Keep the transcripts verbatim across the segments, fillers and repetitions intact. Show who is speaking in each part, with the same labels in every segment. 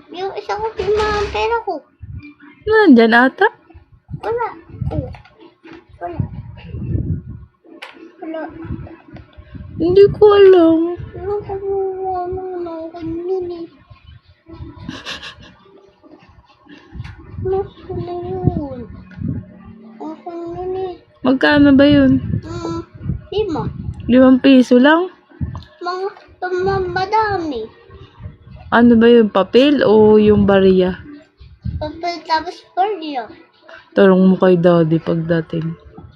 Speaker 1: Yung isa ko, yung pera ko.
Speaker 2: Nandyan ata?
Speaker 1: Wala. Oh. Wala. Wala.
Speaker 2: Hindi ko alam.
Speaker 1: Wala ko wala na ako nun eh. Ako na yun. Ako nun eh.
Speaker 2: Magkano ba yun?
Speaker 1: Hmm. Lima.
Speaker 2: Limang piso lang?
Speaker 1: Mga tumambadami.
Speaker 2: Ano ba yun? Papel o yung bariya?
Speaker 1: Papel tapos perya.
Speaker 2: Tarong mo kay daddy pagdating.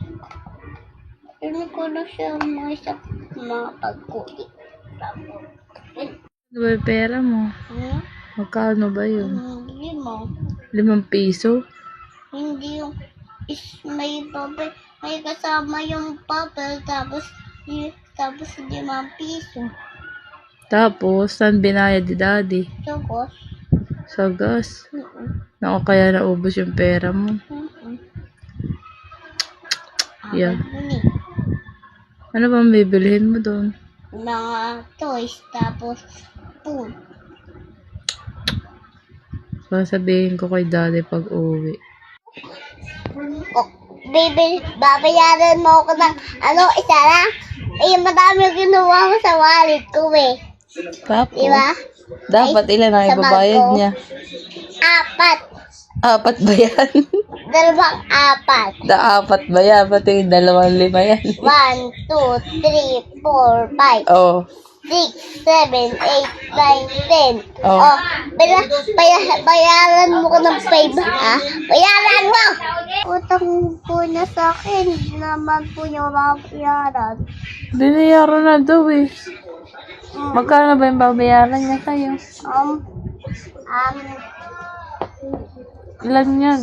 Speaker 1: Hindi ko na siya mga isa mga pagkulit.
Speaker 2: Ano ba yung pera mo?
Speaker 1: Hmm?
Speaker 2: Magkano ba yun?
Speaker 1: Hindi mo.
Speaker 2: Limang piso?
Speaker 1: Hindi yung is may papel, may kasama yung papel tapos y- tapos limang piso.
Speaker 2: Tapos, saan binayad ni daddy?
Speaker 1: Tapos,
Speaker 2: Sa gas.
Speaker 1: mm
Speaker 2: Naku, kaya naubos yung pera mo.
Speaker 1: mm
Speaker 2: Yeah.
Speaker 1: Ano ni?
Speaker 2: Ano bang bibilihin mo doon?
Speaker 1: Mga toys tapos food.
Speaker 2: Sasabihin ko kay daddy pag uwi.
Speaker 1: Oh, baby, babayaran mo ako ng ano, isa lang? Eh, madami yung ginawa ko sa wallet ko eh.
Speaker 2: Tapos,
Speaker 1: Diba?
Speaker 2: dapat
Speaker 1: Ay,
Speaker 2: ilan ang
Speaker 1: sa
Speaker 2: ibabayad
Speaker 1: bag ko.
Speaker 2: niya?
Speaker 1: Apat.
Speaker 2: Apat ba yan?
Speaker 1: Dalawang apat.
Speaker 2: Da apat ba yan? Pati yung dalawang lima yan.
Speaker 1: One, two, three, four, five,
Speaker 2: Oh.
Speaker 1: six, seven, eight, nine, ten.
Speaker 2: Oh.
Speaker 1: Oh, baya, baya, bayaran mo ko ng five, ha? Bayaran mo! Utang po na sa akin, hindi naman po niya mabayaran.
Speaker 2: Binayaran na daw eh. Magkano ba yung babayaran niya sa'yo?
Speaker 1: Um, um,
Speaker 2: Ilan yan?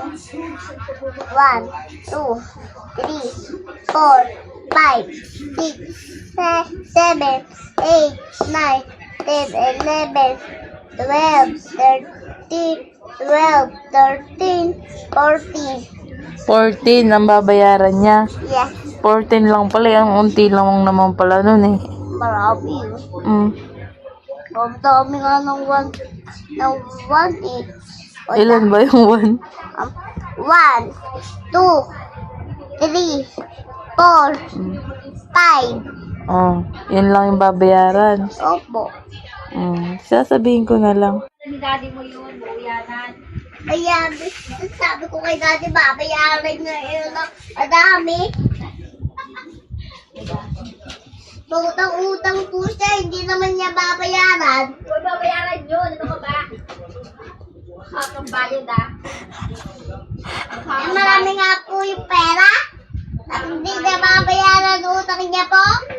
Speaker 1: one, two, three, four, five, six, se- seven, eight, nine, ten, eleven, twelve, thirteen, twelve, thirteen, fourteen.
Speaker 2: fourteen ang babayaran niya.
Speaker 1: Yes,
Speaker 2: fourteen lang pala. Ang unti lang naman pala nun eh.
Speaker 1: marami yun.
Speaker 2: Mm.
Speaker 1: Ang dami nga ng one, ng one eh. O,
Speaker 2: Ilan ba yung one?
Speaker 1: Um, one, two, three, four, five.
Speaker 2: Oh, yun lang yung babayaran.
Speaker 1: Opo.
Speaker 2: Mm. Sasabihin ko na lang.
Speaker 1: Kaya, sabi ko kay Daddy, babayaran niya yun ng madami. Utang-utang po siya, hindi naman niya babayaran.
Speaker 3: Huwag babayaran yun. Ano ka ba? Ang bayad ah.
Speaker 1: Eh, marami nga po yung pera. At hindi niya babayaran utang niya po.